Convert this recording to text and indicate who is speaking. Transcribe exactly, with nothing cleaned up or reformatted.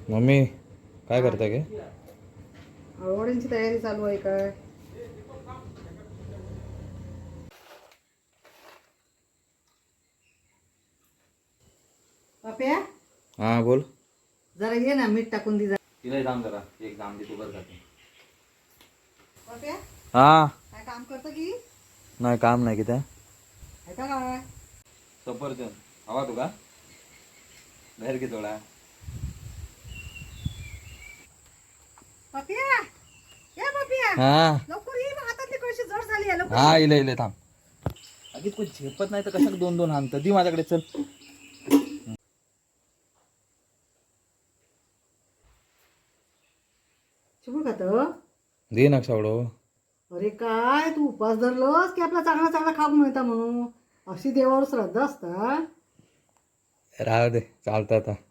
Speaker 1: Mummy काय करताय गे?
Speaker 2: आवडींची तयारी चालू आहे काय? पाप्या
Speaker 1: हा बोल.
Speaker 2: जरा ये ना, मीठ टाकून दे जरा.
Speaker 1: तिला दाम जरा एक दाम दे तू बस जाते.
Speaker 2: पाप्या
Speaker 1: हा
Speaker 2: काय काम करतो की?
Speaker 1: नाही काम नाही किती
Speaker 2: आहे का काय?
Speaker 1: सफरचंद हवा तुका बाहेर घे थोडा.
Speaker 2: पाप्या ये पाप्या,
Speaker 1: हा
Speaker 2: लवकर ये, हातातली कळशी जड झाली आहे, लवकर
Speaker 1: हा
Speaker 2: ये.
Speaker 1: इले इले थांब. अगदी कोण झेपत नाही तर कशाला दोन दोन हाणत दी माझ्याकडे चल.
Speaker 2: चिमूड खातो.
Speaker 1: दे ना सावडो.
Speaker 2: अरे काय तू उपास धरलोस की आपला चांगला चांगला खाऊ मिळता म्हणून? अशी देवावर श्रद्धा असता?
Speaker 1: राहू दे चालतं आता.